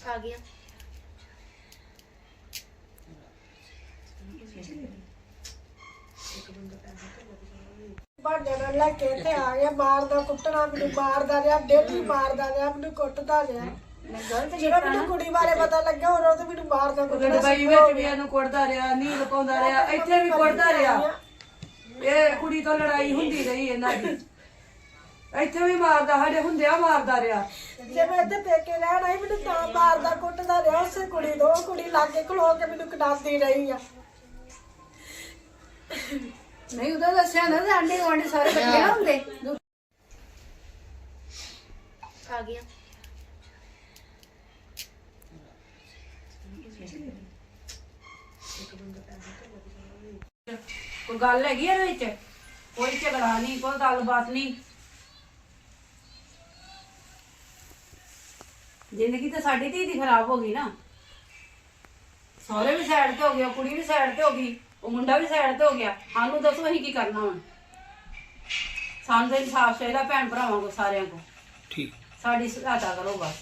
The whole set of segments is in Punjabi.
आ गया। भांडे नाल लेके इत्थे आ गया, मारदा कुट्टना, मैनू मारदा रहा, डेली मारदा रहा, मैनू कुੱਟਦਾ रहा। ਜਿਹੜਾ ਮੈਨੂੰ ਕੁੜੀ ਬਾਰੇ ਪਤਾ ਲੱਗਾ ਉਹ ਤੇ ਮੈਨੂੰ ਮਾਰਦਾ ਕੁੱਟਦਾ ਦੁਬਈ ਵਿੱਚ ਵੀ ਇਹਨੂੰ ਕੁੱਟਦਾ ਰਿਹਾ, ਨੀਂਦ ਪਾਉਂਦਾ ਰਿਹਾ, ਇੱਥੇ ਵੀ ਕੁੱਟਦਾ ਰਿਹਾ। ਇਹ ਕੁੜੀ ਤੋਂ ਲੜਾਈ ਹੁੰਦੀ ਰਹੀ ਇਹਨਾਂ ਦੀ, ਇੱਥੇ ਵੀ ਮਾਰਦਾ, ਸਾਡੇ ਹੁੰਦਿਆਂ ਮਾਰਦਾ ਰਿਹਾ। ਜੇ ਮੈਂ ਇੱਥੇ ਪੇਕੇ ਰਹਿਣ ਆਈ ਮੈਨੂੰ ਤਾਂ ਮਾਰਦਾ ਕੁੱਟਦਾ ਰਿਹਾ ਉਸੇ ਕੁੜੀ ਤੋਂ। ਉਹ ਕੁੜੀ ਲਾਗੇ ਖਲੋ ਕੇ ਮੈਨੂੰ ਕਟਾਉਂਦੀ ਰਹੀ ਆ। ਨਹੀਂ ਉਹਦਾ ਦੱਸਿਆ ਨਾ ਆਂਡੇ ਗੁਆਂਢੀ ਸਾਰੇ ਇਕੱਠੇ ਨਾ ਹੁੰਦੇ। आ गया। ਕੋਈ ਗੱਲ ਹੈਗੀ ਇਹਦੇ ਵਿੱਚ? ਕੋਈ ਝਗੜਾ ਨਹੀਂ, ਕੋਈ ਗੱਲਬਾਤ ਨਹੀਂ। ਜ਼ਿੰਦਗੀ ਤਾਂ ਸਾਡੀ ਧੀ ਦੀ ਖਰਾਬ ਹੋ ਗਈ ਨਾ। ਸਹੁਰੇ ਵੀ ਸਾਈਡ ਤੇ ਹੋ ਗਿਆ, ਕੁੜੀ ਵੀ ਸਾਈਡ ਤੇ ਹੋ ਗਈ, ਉਹ ਮੁੰਡਾ ਵੀ ਸਾਈਡ ਤੇ ਹੋ ਗਿਆ। ਸਾਨੂੰ ਦੱਸੋ ਅਸੀਂ ਕੀ ਕਰਨਾ ਹੁਣ? ਸਾਨੂੰ ਤਾਂ ਇਨਸਾਫ ਚਾਹੀਦਾ ਭੈਣ ਭਰਾਵਾਂ ਕੋ, ਸਾਰਿਆਂ ਕੋ। ਠੀਕ ਸਾਡੀ ਸਹਾਇਤਾ ਕਰੋ ਬਸ।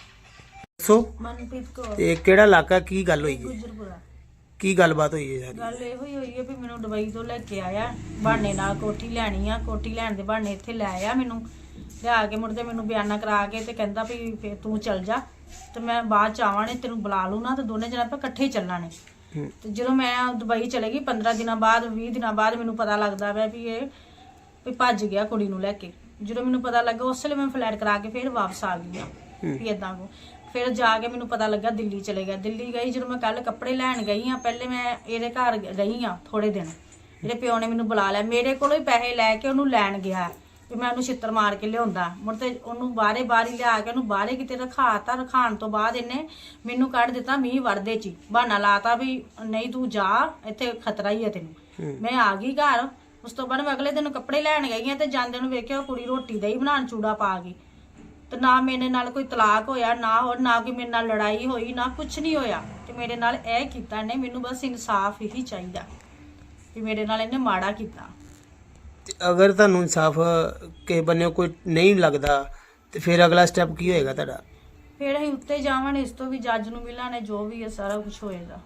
ਸੋ ਮਨਪ੍ਰੀਤ ਕੌਰ ਤੇ ਕਿਹੜਾ ਇਲਾਕਾ, ਕੀ ਗੱਲ ਹੋਈ ਜੀ? ਗੁਜਰਪੁਰਾ। ਕੀ ਗੱਲਬਾਤ ਹੋਈ ਹੈ ਸਾਰੀ? ਗੱਲ ਇਹੋ ਹੀ ਹੋਈ ਹੈ ਵੀ ਮੈਨੂੰ ਦੁਬਈ ਤੋਂ ਲੈ ਕੇ ਆਇਆ ਬਹਾਨੇ ਨਾਲ। ਕੋਠੀ ਲੈਣੀ ਆ, ਕੋਠੀ ਲੈਣ ਦੇ ਬਹਾਨੇ ਇੱਥੇ ਲੈ ਆਇਆ ਮੈਨੂੰ। ਲਿਆ ਕੇ ਮੁੜਦੇ ਮੈਨੂੰ ਬਿਆਨਾ ਕਰਾ ਕੇ ਤੇ ਕਹਿੰਦਾ ਵੀ ਫੇਰ ਤੂੰ ਚੱਲ ਜਾ ਤੇ ਮੈਂ ਬਾਅਦ ਚ ਆਵਾਂ ਨੇ ਤੈਨੂੰ ਬੁਲਾ ਲੂ ਨਾ, ਤੇ ਦੋਨੇ ਜਣੇ ਆਪਾਂ ਇਕੱਠੇ ਹੀ ਚੱਲਾਂਗੇ। ਤੇ ਜਦੋਂ ਮੈਂ ਦੁਬਈ ਚਲੇ ਗਈ 15 ਦਿਨਾਂ ਬਾਅਦ 20 ਦਿਨਾਂ ਬਾਅਦ ਮੈਨੂੰ ਪਤਾ ਲੱਗਦਾ ਪਿਆ ਵੀ ਇਹ ਵੀ ਭੱਜ ਗਿਆ ਕੁੜੀ ਨੂੰ ਲੈ ਕੇ। ਜਦੋਂ ਮੈਨੂੰ ਪਤਾ ਲੱਗਾ ਉਸ ਵੇਲੇ ਮੈਂ ਫਲੈਟ ਕਰਾ ਕੇ ਫਿਰ ਵਾਪਸ ਆ ਗਈ ਆ ਵੀ ਏਦਾਂ ਕੋ। ਫਿਰ ਜਾ ਕੇ ਮੈਨੂੰ ਪਤਾ ਲੱਗਾ ਦਿੱਲੀ ਚਲੇ ਗਿਆ। ਦਿੱਲੀ ਗਈ ਜਦੋਂ ਮੈਂ ਕੱਲ ਕੱਪੜੇ ਲੈਣ ਗਈ ਆ, ਪਹਿਲੇ ਮੈਂ ਇਹਦੇ ਘਰ ਗਈ ਆ ਥੋੜੇ ਦਿਨ। ਇਹਦੇ ਪਿਓ ਨੇ ਮੈਨੂੰ ਬੁਲਾ ਲਿਆ, ਮੇਰੇ ਕੋਲੋਂ ਹੀ ਪੈਸੇ ਲੈ ਕੇ ਉਹਨੂੰ ਲੈਣ ਗਿਆ ਵੀ ਮੈਂ ਉਹਨੂੰ ਛਿੱਤਰ ਮਾਰ ਕੇ ਲਿਆਉਂਦਾ। ਮੁੜ ਤੇ ਉਹਨੂੰ ਬਾਹਰ ਹੀ ਲਿਆ ਕੇ ਉਹਨੂੰ ਬਾਹਰੇ ਕਿਤੇ ਰਖਾਤਾ। ਰਖਾਣ ਤੋਂ ਬਾਅਦ ਇਹਨੇ ਮੈਨੂੰ ਕੱਢ ਦਿੱਤਾ ਮੀਂਹ ਵੜਦੇ ਚ ਹੀ। ਬਹਾਨਾ ਲਾਤਾ ਵੀ ਨਹੀਂ ਤੂੰ ਜਾ, ਇੱਥੇ ਖਤਰਾ ਹੀ ਹੈ ਤੈਨੂੰ। ਮੈਂ ਆ ਗਈ ਘਰ। ਉਸ ਤੋਂ ਬਾਅਦ ਮੈਂ ਅਗਲੇ ਦਿਨ ਕੱਪੜੇ ਲੈਣ ਗਈ ਆ ਤੇ ਜਾਂਦੇ ਨੂੰ ਵੇਖਿਆ ਕੁੜੀ ਰੋਟੀ ਦਹੀਂ ਬਣਾਉਣ ਚੂੜਾ ਪਾ ਗਈ। ਤੇ ਨਾ ਮੇਰੇ ਨਾਲ ਕੋਈ ਤਲਾਕ ਹੋਇਆ, ਨਾ ਕੋਈ ਮੇਰੇ ਨਾਲ ਲੜਾਈ ਹੋਈ, ਨਾ ਕੁਝ ਨਹੀਂ ਹੋਇਆ। ਤੇ ਮੇਰੇ ਨਾਲ ਇਹ ਕੀਤਾ ਨੇ, ਮੈਨੂੰ ਬਸ ਇਨਸਾਫ ਹੀ ਚਾਹੀਦਾ ਵੀ ਮੇਰੇ ਨਾਲ ਇਹਨੇ ਮਾੜਾ ਕੀਤਾ। ਤੇ ਅਗਰ ਤੁਹਾਨੂੰ ਇਨਸਾਫ ਕਿਸੇ ਬੰਨਿਓ ਕੋਈ ਨਹੀਂ ਲੱਗਦਾ ਤੇ ਫਿਰ ਅਗਲਾ ਸਟੈਪ ਕੀ ਹੋਏਗਾ ਤੁਹਾਡਾ? ਫਿਰ ਅਸੀਂ ਉੱਤੇ ਜਾਵਾਂਗੇ, ਇਸ ਤੋਂ ਵੀ ਜੱਜ ਨੂੰ ਮਿਲਾਂਗੇ, ਜੋ ਵੀ ਹੈ ਸਾਰਾ ਕੁਝ ਹੋਏਗਾ,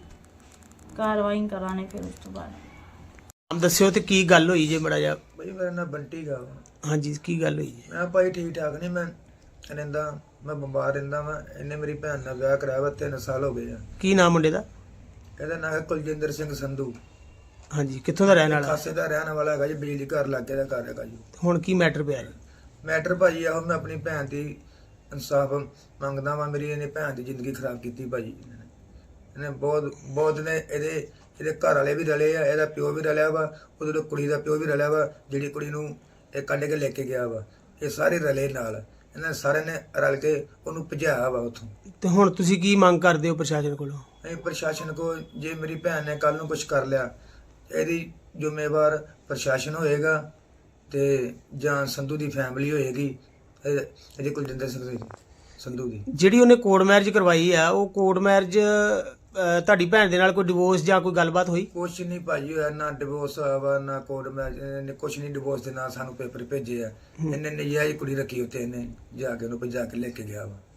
ਕਾਰਵਾਈ ਕਰਾਂਗੇ। ਫਿਰ ਉਸ ਤੋਂ ਬਾਅਦ ਨਾਮ ਦੱਸਿਓ ਤੇ ਕੀ ਗੱਲ ਹੋਈ ਜੇ ਬੜਾ ਜਿਹਾ? ਭਾਈ ਮੇਰਾ ਨਾਮ ਬੰਟੀ ਗਾ। ਹਾਂਜੀ, ਕੀ ਗੱਲ ਹੋਈ ਜੀ? ਮੈਂ ਭਾਈ ਠੀਕ ਠਾਕ ਨਹੀਂ, ਮੈਂ ਰਹਿੰਦਾ, ਮੈਂ ਬਿਮਾਰ ਰਹਿੰਦਾ ਵਾ। ਇਹਨੇ ਮੇਰੀ ਭੈਣ ਨਾਲ ਵਿਆਹ ਕਰਾਇਆ ਵਾ, 3 ਸਾਲ ਹੋ ਗਏ ਆ। ਕੀ ਨਾਮ ਮੁੰਡੇ ਦਾ? ਇਹਦਾ ਨਾਮ ਹੈ ਕੁਲਜਿੰਦਰ ਸਿੰਘ ਸੰਧੂ। ਹਾਂਜੀ, ਕਿੱਥੋਂ ਦਾ ਰਹਿਣ ਵਾਲਾ? ਖਾਸੇ ਦਾ ਰਹਿਣ ਵਾਲਾ ਹੈਗਾ ਜੀ, ਬਿਜਲੀ ਘਰ ਲਾਗੇ ਦਾ ਘਰ ਹੈਗਾ ਜੀ। ਹੁਣ ਕੀ ਮੈਟਰ ਪਿਆ ਜੀ? ਮੈਟਰ ਭਾਜੀ ਆਹੋ, ਮੈਂ ਆਪਣੀ ਭੈਣ ਦੀ ਇਨਸਾਫ ਮੰਗਦਾ ਵਾ। ਮੇਰੀ ਇਹਨੇ ਭੈਣ ਦੀ ਜ਼ਿੰਦਗੀ ਖਰਾਬ ਕੀਤੀ ਭਾਜੀ। ਇਹਨੇ ਬਹੁਤ ਨੇ ਇਹਦੇ ਘਰ ਵਾਲੇ ਵੀ ਰਲੇ ਆ, ਇਹਦਾ ਪਿਓ ਵੀ ਰਲਿਆ ਵਾ, ਉਹਦੇ ਕੁੜੀ ਦਾ ਪਿਓ ਵੀ ਰਲਿਆ ਵਾ, ਜਿਹੜੀ ਕੁੜੀ ਨੂੰ ਇਹ ਕੱਢ ਕੇ ਲੈ ਕੇ ਗਿਆ ਵਾ। ਇਹ ਸਾਰੇ ਰਲੇ ਨਾਲ, ਇਹਨਾਂ ਸਾਰਿਆਂ ਨੇ ਰਲ ਕੇ ਉਹਨੂੰ ਭਜਾਇਆ ਵਾ ਉੱਥੋਂ। ਤੇ ਹੁਣ ਤੁਸੀਂ ਕੀ ਮੰਗ ਕਰਦੇ ਹੋ ਪ੍ਰਸ਼ਾਸਨ ਕੋਲੋਂ? ਇਹ ਪ੍ਰਸ਼ਾਸਨ ਕੋ, ਜੇ ਮੇਰੀ ਭੈਣ ਨੇ ਕੱਲ ਨੂੰ ਕੁਝ ਕਰ ਲਿਆ, ਇਹਦੀ ਜ਼ਿੰਮੇਵਾਰ ਪ੍ਰਸ਼ਾਸਨ ਹੋਏਗਾ ਤੇ ਜਾਂ ਸੰਧੂ ਦੀ ਫੈਮਿਲੀ ਹੋਏਗੀ, ਇਹਦੇ ਕੁਲਜਿੰਦਰ ਸਿੰਘ ਸੰਧੂ ਦੀ। ਜਿਹੜੀ ਉਹਨੇ ਕੋਰਟ ਮੈਰਿਜ ਕਰਵਾਈ ਆ, ਉਹ ਕੋਰਟ ਮੈਰਿਜ ਤੁਹਾਡੀ ਭੈਣ ਦੇ ਨਾਲ ਕੋਈ ਡਿਵੋਰਸ ਜਾਂ ਕੋਈ ਗੱਲਬਾਤ ਹੋਈ? ਕੁਛ ਨਹੀਂ ਭਾਜੀ ਹੋਇਆ, ਨਾ ਡਿਵੋਰਸ ਹੋਇਆ ਵਾ, ਨਾ ਕੋਰਟ ਮੈਰਿਜ। ਇਹਨੇ ਕੁਛ ਨਹੀਂ ਡਿਵੋਰਸ ਦੇ ਨਾਲ ਸਾਨੂੰ ਪੇਪਰ ਭੇਜੇ ਆ। ਇਹਨੇ ਨਜਾਇਜ਼ ਕੁੜੀ ਰੱਖੀ ਉੱਤੇ, ਇਹਨੇ ਜਾ ਕੇ ਉਹਨੂੰ ਭਜਾ ਕੇ ਲੈ ਕੇ ਗਿਆ ਵਾ।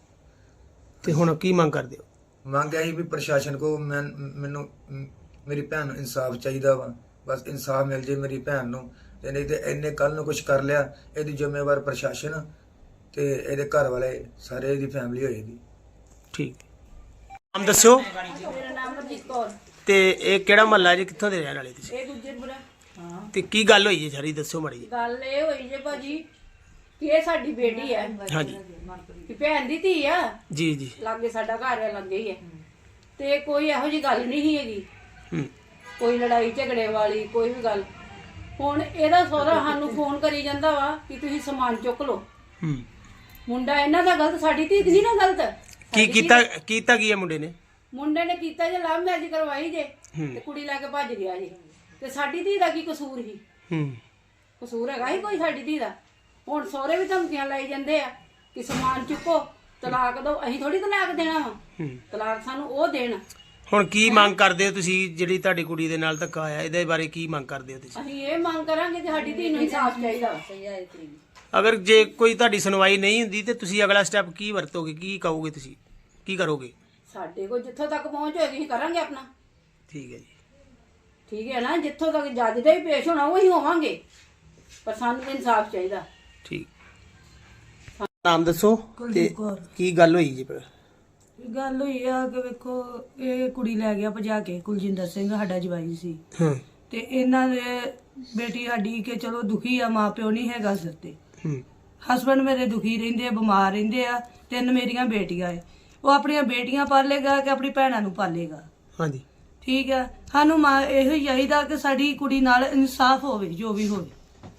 ਤੇ ਹੁਣ ਕੀ ਮੰਗ ਕਰਦੇ ਹੋ? ਮੰਗਿਆ ਸੀ ਵੀ ਪ੍ਰਸ਼ਾਸਨ ਕੋ ਮੈਨੂੰ ਮੇਰੀ ਭੈਣ ਨੂੰ ਇਨਸਾਫ ਚਾਹੀਦਾ ਵਾ। ਬਸ ਇਨਸਾਫ ਮਿਲ ਜੇ ਮੇਰੀ ਭੈਣ ਨੂੰ। ਤੇ ਨਹੀਂ ਤੇ ਇਹਨੇ ਕੱਲ ਨੂੰ ਕੁਝ ਕਰ ਲਿਆ, ਇਹਦੀ ਜ਼ਿੰਮੇਵਾਰ ਪ੍ਰਸ਼ਾਸਨ ਤੇ ਇਹਦੇ ਘਰ ਵਾਲੇ, ਸਾਰੇ ਇਹਦੀ ਫੈਮਿਲੀ ਹੋਏਗੀ। ਠੀਕ। ਨਾਮ ਦੱਸਿਓ ਮੇਰਾ ਨਾਮ ਮਨਜੀਤ ਕੌਰ। ਤੇ ਇਹ ਕਿਹੜਾ ਮਹੱਲਾ ਜੀ, ਕਿੱਥੋਂ ਦੇ ਰਹਿਣ ਵਾਲੇ ਤੁਸੀਂ? ਇਹ ਗੁਜਰਪੁਰਾ। ਹਾਂ, ਤੇ ਕੀ ਗੱਲ ਹੋਈ ਜੀ ਸਾਰੀ ਦੱਸਿਓ ਮਾੜੀ ਜੀ। ਗੱਲ ਇਹ ਹੋਈ ਜੇ ਭਾਜੀ ਕਿ ਇਹ ਸਾਡੀ ਬੇਟੀ ਹੈ, ਹਾਂਜੀ ਕਿ ਭੈਣ ਦੀ ਧੀ ਆ। ਜੀ ਜੀ। ਲਾਗੇ ਸਾਡਾ ਘਰ ਹੈ, ਲੱਗੇ ਹੀ ਹੈ। ਤੇ ਕੋਈ ਇਹੋ ਜੀ ਗੱਲ ਨਹੀਂ ਹੈਗੀ, ਹੂੰ। ਕੋਈ ਲੜਾਈ ਝਗੜੇ ਵਾਲੀ ਕੋਈ ਵੀ ਗੱਲ। ਹੁਣ ਇਹਦਾ ਸਹੁਰਾ ਸਾਨੂੰ ਫੋਨ ਕਰੀ ਜਾਂਦਾ ਵਾ ਕਿ ਤੁਸੀਂ ਸਮਾਨ ਚੁੱਕ ਲਓ। ਹੂੰ। ਮੁੰਡਾ ਇਹਨਾਂ ਦਾ ਗਲਤ, ਸਾਡੀ ਧੀ ਦੀ ਨਹੀਂ ਨਾ ਗਲਤ। ਕੀ ਕੀਤਾ ਕੀ ਹੈ ਮੁੰਡੇ ਨੇ? ਮੁੰਡੇ ਨੇ ਕੀਤਾ ਜੇ ਲਵ ਮੈਰਿਜ ਕਰਵਾਈ ਜੇ ਤੇ ਕੁੜੀ ਲੈ ਕੇ ਭੱਜ ਗਿਆ ਜੇ। ਤੇ ਸਾਡੀ ਧੀ ਦਾ ਕੀ ਕਸੂਰ ਸੀ? ਹੂੰ। ਕਸੂਰ ਹੈਗਾ ਹੀ ਕੋਈ ਸਾਡੀ ਧੀ ਦਾ? ਹੁਣ ਸਹੁਰੇ ਵੀ ਧਮਕੀਆਂ ਲਾਈ ਜਾਂਦੇ ਆ ਕਿ ਸਮਾਨ ਚੁੱਕੋ, ਤਲਾਕ ਦਿਓ। ਅਸੀਂ ਥੋੜੀ ਤਲਾਕ ਦੇਣਾ ਵਾ, ਤਲਾਕ ਸਾਨੂੰ ਉਹ ਦੇਣ। ਹੁਣ ਕੀ ਮੰਗ ਕਰਦੇ ਹੋ ਤੁਸੀਂ? ਜਿਹੜੀ ਤੁਹਾਡੀ ਕੁੜੀ ਦੇ ਨਾਲ ਧੱਕਾ ਆਇਆ, ਇਹਦੇ ਬਾਰੇ ਕੀ ਮੰਗ ਕਰਦੇ ਹੋ ਤੁਸੀਂ? ਅਸੀਂ ਇਹ ਮੰਗ ਕਰਾਂਗੇ ਕਿ ਸਾਡੀ ਧੀ ਨੂੰ ਇਨਸਾਫ ਚਾਹੀਦਾ। ਅਗਰ ਜੇ ਕੋਈ ਤੁਹਾਡੀ ਸੁਣਵਾਈ ਨਹੀਂ ਹੁੰਦੀ ਤੇ ਤੁਸੀਂ ਅਗਲਾ ਸਟੈਪ ਕੀ ਵਰਤੋਗੇ, ਕੀ ਕਹੋਗੇ ਤੁਸੀਂ? ਕੀ ਕਰੋਗੇ? ਸਾਡੇ ਕੋਲ ਜਿੱਥੋਂ ਤੱਕ ਪਹੁੰਚ ਹੋਏਗੀ ਅਸੀਂ ਕਰਾਂਗੇ ਆਪਣਾ। ਠੀਕ ਹੈ ਜੀ। ਠੀਕ ਹੈ ਨਾ, ਜਿੱਥੋਂ ਤੱਕ ਜੱਜ ਦਾ ਹੀ ਪੇਸ਼ ਹੋਣਾ ਉਹੀ ਹੋਵਾਂਗੇ, ਪਰ ਸਾਨੂੰ ਤਾਂ ਇਨਸਾਫ ਚਾਹੀਦਾ। ਠੀਕ। ਨਾਮ ਦੱਸੋ ਤੇ ਕੁਲਦੀਪ ਕੌਰ। ਕੀ ਗੱਲ ਹੋਈ ਜੀ ਫਿਰ? ਗੱਲ ਹੋਈ ਆ ਕਿ ਵੇਖੋ ਇਹ ਕੁੜੀ ਲੈ ਗਿਆ ਭਜਾ ਕੇ, ਕੁਲਜਿੰਦਰ ਸਿੰਘ ਸਾਡਾ ਜਵਾਈ ਸੀ ਹਾਂ। ਤੇ ਇਹਨਾਂ ਦੇ ਬੇਟੀ ਸਾਡੀ ਕਿ ਚਲੋ ਦੁਖੀ ਆ, ਮਾਂ ਪਿਓ ਨਹੀਂ ਹੈਗਾ ਸਿਰ ਤੇ। ਹੂੰ। ਹਸਬੰਡ ਮੇਰੇ ਦੁਖੀ ਰਹਿੰਦੇ ਆ, ਬਿਮਾਰ ਰਹਿੰਦੇ ਆ, 3 ਮੇਰੀਆਂ ਬੇਟੀਆਂ ਏ। ਉਹ ਆਪਣੀਆਂ ਬੇਟੀਆਂ ਪਾਲੇਗਾ ਕਿ ਆਪਣੀ ਭੈਣਾਂ ਨੂੰ ਪਾਲੇਗਾ। ਹਾਂਜੀ। ਠੀਕ ਆ, ਸਾਨੂੰ ਮਾਂ ਇਹੋ ਹੀ ਚਾਹੀਦਾ ਕਿ ਸਾਡੀ ਕੁੜੀ ਨਾਲ ਇਨਸਾਫ ਹੋਵੇ, ਜੋ ਵੀ ਹੋਵੇ।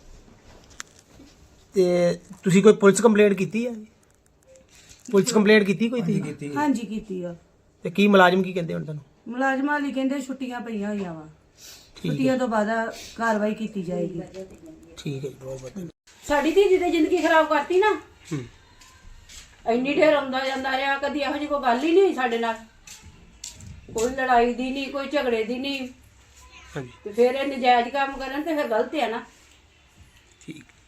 ਤੇ ਤੁਸੀਂ ਕੋਈ ਪੁਲਿਸ ਕੰਪਲੇਂਟ ਕੀਤੀ ਹੈ? ਪੁਲਿਸ ਕੰਪਲੇਂਟ ਕੀਤੀ ਕੋਈ ਤੁਸੀਂ? ਕੀਤੀ ਹਾਂਜੀ ਕੀਤੀ ਆ। ਤੇ ਕੀ ਮੁਲਾਜ਼ਮ ਕੀ ਕਹਿੰਦੇ ਹੁਣ ਤੁਹਾਨੂੰ? ਮੁਲਾਜ਼ਮਾਂ ਲਈ ਕਹਿੰਦੇ ਛੁੱਟੀਆਂ ਪਈਆਂ ਹੋਈਆਂ ਵਾ, ਠੀਕ ਛੁੱਟੀਆਂ ਤੋਂ ਬਾਅਦ ਕਾਰਵਾਈ ਕੀਤੀ ਜਾਏਗੀ। ਠੀਕ ਹੈ ਜੀ, ਬਹੁਤ ਵਧੀਆ। ਸਾਡੀ ਧੀ ਦੀ ਤੇ ਜ਼ਿੰਦਗੀ ਖਰਾਬ ਕਰਤੀ ਨਾ। ਹੂੰ। ਇੰਨੀ ਢੇਰ ਆਉਂਦਾ ਜਾਂਦਾ ਰਿਹਾ, ਕਦੀ ਇਹੋ ਜਿਹੀ ਕੋਈ ਗੱਲ ਹੀ ਨਹੀਂ ਹੋਈ ਸਾਡੇ ਨਾਲ, ਕੋਈ ਲੜਾਈ ਦੀ ਨਹੀਂ, ਕੋਈ ਝਗੜੇ ਦੀ ਨਹੀਂ। ਹਾਂਜੀ। ਤੇ ਫਿਰ ਇਹ ਨਜਾਇਜ਼ ਕੰਮ ਕਰਨ ਤੇ ਫਿਰ ਗਲਤ ਹੈ ਨਾ। ਠੀਕ।